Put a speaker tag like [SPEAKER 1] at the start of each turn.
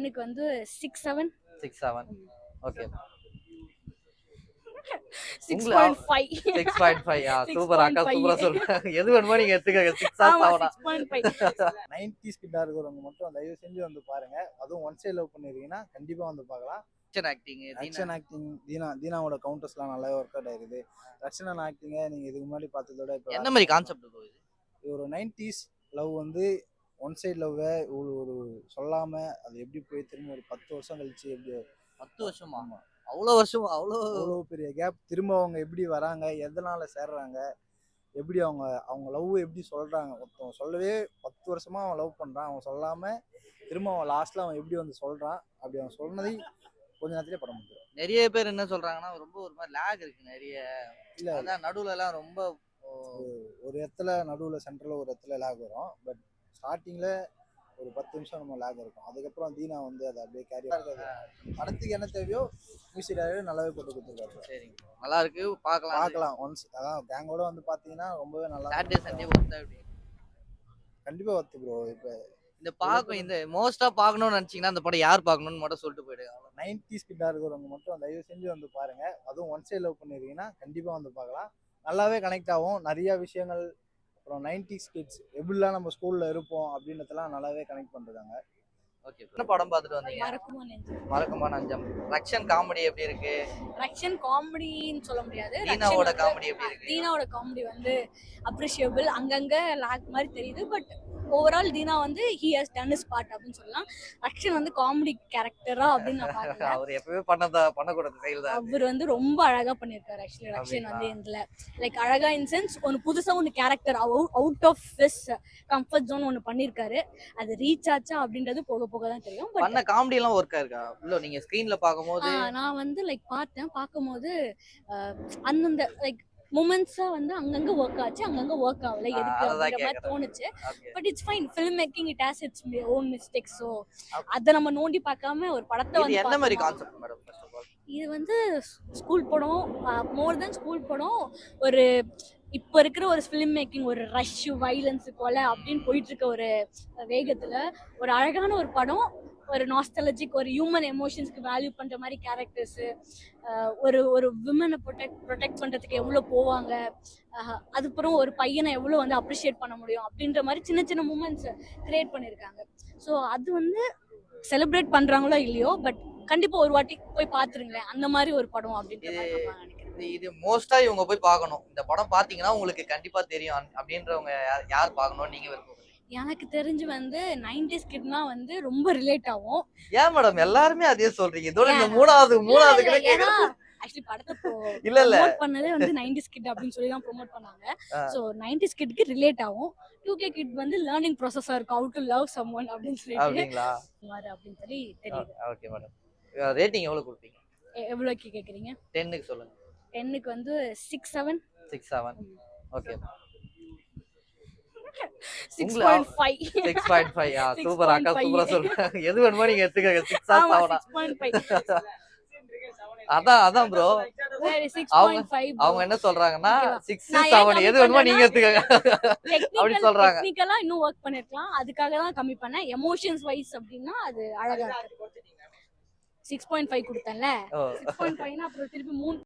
[SPEAKER 1] 10க்கு வந்து 6 7
[SPEAKER 2] 6 7. Okay.
[SPEAKER 1] 6.5
[SPEAKER 2] 6.5. Super அக்கா, சூப்பரா சொல்றாங்க. எது வேணுமோ நீங்க எடுத்துக்கங்க. 6
[SPEAKER 1] ஆமா
[SPEAKER 2] 7.
[SPEAKER 1] 6.5.
[SPEAKER 3] 90s கிட்டா இருக்கிறவங்க மட்டும் தயவு செஞ்சு வந்து பாருங்க. அதுவும் ஒன் சைடு லவ் பண்ணிருக்கீங்கன்னா கண்டிப்பா வந்து பார்க்கலாம். ஆக்ஷன் ஆக்டிங் தீனாவோட கவுண்டர்ஸ்லாம் நல்லாவே ஒர்க் அவுட் ஆயிருக்குது. ரக்ஷனன் ஆக்டிங்க நீங்க இதுக்கு முன்னாடி பார்த்ததோட இப்போ
[SPEAKER 2] என்ன மாதிரி கான்செப்ட் ப்ரோ இது?
[SPEAKER 3] ஒரு 90s லவ் வந்து ஒன் சைடு லவ்வை ஒரு சொல்லாம அது எப்படி போய் திரும்ப ஒரு 10 வருஷம் கழிச்சு எப்படி
[SPEAKER 2] 10 வருஷமா? அவ்வளோ வருஷம் அவ்வளோ
[SPEAKER 3] அவ்வளோ பெரிய கேப் திரும்ப அவங்க எப்படி வராங்க, எதனால சேர்றாங்க, எப்படி அவங்க அவங்க லவ் எப்படி சொல்றாங்க. ஒருத்தவங்க சொல்லவே 10 வருஷமா அவன் லவ் பண்றான், அவன் சொல்லாம திரும்ப அவன் லாஸ்ட்ல அவன் எப்படி வந்து சொல்றான், அப்படி அவன் சொன்னதை கொஞ்ச நேரத்திலே படம் முடியும்.
[SPEAKER 2] நிறைய பேர் என்ன சொல்றாங்கன்னா ரொம்ப ஒரு மாதிரி லேக் இருக்கு நிறைய.
[SPEAKER 3] இல்ல
[SPEAKER 2] அதான் நடுவுல எல்லாம் ரொம்ப
[SPEAKER 3] ஒரு இடத்துல நடுவுல சென்டர்ல ஒரு இடத்துல லேக் வரும். பட் ஸ்டார்டிங்ல ஒரு 10 நிமிஷம் நம்ம லேக் இருக்கும். அதுக்கப்புறம் தீனா வந்து அதை அப்படியே கேரி படத்துக்கு என்ன தேவையோ மியூசிக் டைரக்டர் நல்லாவே போட்டு கொடுத்துருக்காரு.
[SPEAKER 2] சரிங்க, நல்லா இருக்கு, பார்க்கலாம்.
[SPEAKER 3] ஒன்ஸ் அதான் கேங்கோட வந்து பாத்தீங்கன்னா ரொம்பவே நல்லா
[SPEAKER 2] சாட்டர்டே சண்டே ஒர்த்தா எப்படி
[SPEAKER 3] கண்டிப்பா ஒர்த்து ப்ரோ. இப்போ
[SPEAKER 2] இந்த மோஸ்டா பார்க்கணும்னு நினைச்சீங்கன்னா அந்த படம் யார் பார்க்கணும்னு மட்டும் சொல்லிட்டு போயிடுங்க.
[SPEAKER 3] 90s கிட்டா இருக்கிறவங்க மட்டும் தயவு செஞ்சு வந்து பாருங்க. அதுவும் ஒன் சைடு லவ் பண்ணிருக்கீங்கன்னா கண்டிப்பா வந்து பார்க்கலாம். நல்லாவே கனெக்ட் ஆகும். நிறைய விஷயங்கள் அப்புறம் 90s கிட்ஸ் எப்படிலாம் நம்ம ஸ்கூல்ல இருப்போம் அப்படின்றதெல்லாம் நல்லாவே கனெக்ட் பண்றாங்க.
[SPEAKER 2] ஓகே, என்ன படம் பார்த்துட்டு வந்தீங்க? மறக்குமா நெஞ்சம். ரக்ஷன் காமெடி எப்படி இருக்கு?
[SPEAKER 1] ரக்ஷன் காமெடின்னு சொல்ல முடியாது.
[SPEAKER 2] தீனாவோட காமெடி எப்படி இருக்கு?
[SPEAKER 1] தீனாவோட காமெடி வந்து அப்ரிஷியபிள். அங்கங்க லாக் மாதிரி தெரியுது. பட் ஓவரால் தீனா வந்து he has done his part அப்படின்னு சொல்லலாம். ரக்ஷன் வந்து காமெடி கேரக்டரா அப்படின்னு நான் பாக்குறேன்.
[SPEAKER 2] அவர் எப்பவே பண்ணக்கூடாது செயல் தான்.
[SPEAKER 1] அவர் வந்து ரொம்ப அழகா பண்ணிருக்காரு. ஆக்சுவலி ரக்ஷன் வந்து இதுல லைக் அழகா இன் சென்ஸ் ஒன்னு புதுசா ஒன்னு character out of his comfort zone ஒன்னு பண்ணிருக்காரு. அது ரீச் ஆச்சா அப்படின்றது போக போக தான் தெரியும்.
[SPEAKER 2] பண்ண காமெடி எல்லாம் ஒர்க் ஆயிருக்கா? இல்ல நீங்க ஸ்கிரீன்ல பாக்கும்போது
[SPEAKER 1] நான் வந்து லைக் பார்க்கும்போது அந்தந்த லைக் மூமெண்ட்ஸா வந்து அங்கங்க ஒர்க் ஆச்சு, அங்கங்க ஒர்க் ஆகல. எதுக்கு அப்படின்ற மாதிரி தோணுச்சு. But it's fine. Film making it has its own mistakes. So அதை நம்ம நோண்டி பார்க்காம ஒரு படத்தை வந்து
[SPEAKER 2] என்ன மாதிரி concept madam? First of all
[SPEAKER 1] இது வந்து ஸ்கூல் படம், மோர் தென் ஸ்கூல் படம். ஒரு இப்போ இருக்கிற ஒரு ஃபிலிம் மேக்கிங், ஒரு ரஷ், வைலன்ஸ் போல அப்படின்னு போயிட்டு இருக்க ஒரு வேகத்துல ஒரு அழகான ஒரு படம். ஒரு நாஸ்டாலஜிக், ஒரு ஹியூமன் எமோஷன்ஸ்க்கு வேல்யூ பண்ற மாதிரி கேரக்டர்ஸ், ஒரு விமனை ப்ரொடெக்ட் பண்றதுக்கு எவ்வளோ போவாங்க, அதுக்கப்புறம் ஒரு பையனை எவ்வளோ வந்து அப்ரிஷியேட் பண்ண முடியும் அப்படின்ற மாதிரி சின்ன சின்ன மூமெண்ட்ஸ் கிரியேட் பண்ணியிருக்காங்க. ஸோ அது வந்து செலிப்ரேட் பண்றாங்களோ இல்லையோ, பட் கண்டிப்பா ஒரு வாட்டி போய் பாத்துருங்களேன். அந்த மாதிரி ஒரு படம் அப்படின்ற மாதிரி நான் நினைக்கிறேன்.
[SPEAKER 2] இது மோஸ்டா இவங்க போய் பார்க்கணும். இந்த படம் பாத்தீங்கன்னா உங்களுக்கு கண்டிப்பா தெரியும் அப்படின்றவங்க யார் பார்க்கணும் நீங்க விருப்பம்?
[SPEAKER 1] எனக்கு தெரிஞ்சு வந்து 90s கிட்னா வந்து ரொம்ப ரிலேட் ஆகும்.
[SPEAKER 2] ஏன் மேடம் எல்லாருமே அதே சொல்றீங்க? இதோட இந்த மூணாவது
[SPEAKER 1] ஆக்சுவலி படத்தை
[SPEAKER 2] இல்ல
[SPEAKER 1] ப்ரோமோட் பண்ணதே வந்து 90s கிட் அப்படின்னு சொல்லி தான் ப்ரோமோட் பண்ணாங்க. சோ 90s கிட்க்கு ரிலேட் ஆகும். 2K கிட் வந்து லேர்னிங் ப்ராசஸா இருக்கு. ஹவ் டு லவ் சம்வன் அப்படின்னு சொல்லிட்டு
[SPEAKER 2] அப்படிங்களா
[SPEAKER 1] அப்படின்னு சொல்லி தெரியுது.
[SPEAKER 2] ஓகே மேடம், ரேட்டிங் எவ்வளவு கொடுப்பீங்க?
[SPEAKER 1] எவ்வளவுக்கு கேக்குறீங்க?
[SPEAKER 2] 10க்கு சொல்லுங்க.
[SPEAKER 1] 10க்கு வந்து 6 7.
[SPEAKER 2] 6 7. ஓகே.
[SPEAKER 1] 6.5.
[SPEAKER 2] 6.5. சூப்பர் அக்கா, சூப்பரா சொல்றாங்க. எது வேணுமோ நீங்க எடுத்துக்கங்க. 6 7.
[SPEAKER 1] 6.5.
[SPEAKER 2] அதான் ப்ரோ. அவங்க என்ன சொல்றாங்கன்னா 6 7 எது வேணுமோ நீங்க எடுத்துக்கங்க அப்படி சொல்றாங்க.
[SPEAKER 1] டெக்னிக்கலா இன்னும் வொர்க் பண்ணிருக்கலாம். அதுக்காக தான் கம்மி பண்ணேன். எமோஷன்ஸ் வைஸ் அப்படினா அது அழகா இருக்கு. 6.5 கொடுத்தேன்ல. 6.5னா அப்புறம் திருப்பி 3